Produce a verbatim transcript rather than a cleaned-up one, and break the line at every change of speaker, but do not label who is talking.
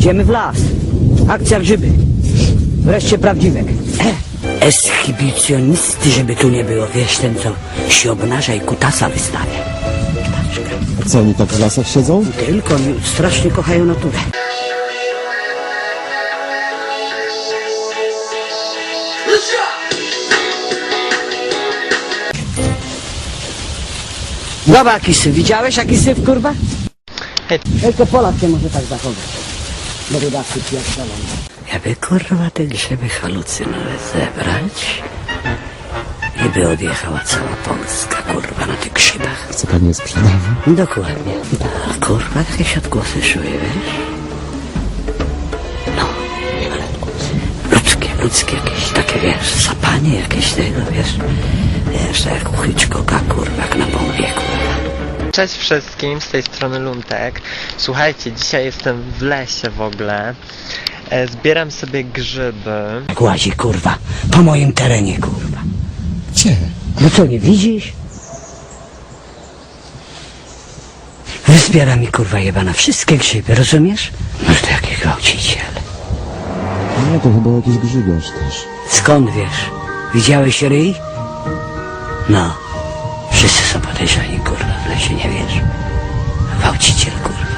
Idziemy w las. Akcja grzyby. Wreszcie prawdziwek. Eshibicjonisty, żeby tu nie było. Wiesz, ten co się obnaża i kutasa wystawia. Ptaczka.
A co, oni tak w lasach siedzą?
Tylko oni strasznie kochają naturę. Dobra, jaki syf. Widziałeś jaki syf, kurwa? Tylko Polak się może tak zachować. Bo wydawcy pierdolą. Jakby kurwa te grzyby halucynowe zebrać i by odjechała cała Polska, kurwa, na tych grzybach.
Chce pani je sprzedawać?
Dokładnie. A kurwa, jakieś odgłosy szły, wiesz? No, ale ludzkie, ludzkie jakieś takie, wiesz, sapanie jakieś tego, wiesz? Wiesz, tak jak u Hitchcocka, kurwa, jak na bombie, kurwa.
Cześć wszystkim, z tej strony Luntek. Słuchajcie, dzisiaj jestem w lesie w ogóle. E, zbieram sobie grzyby.
Jak łazi, kurwa, po moim terenie, kurwa.
Gdzie?
No co, nie widzisz? Zbiera mi, kurwa, jebana wszystkie grzyby, rozumiesz? Może to jakiś gwałciciel.
Nie, to chyba jakiś grzybiarz też.
Skąd wiesz? Widziałeś ryj? No. Wszyscy są podejrzani, kurwa, w lesie, nie wiesz? Gwałciciel, kurwa.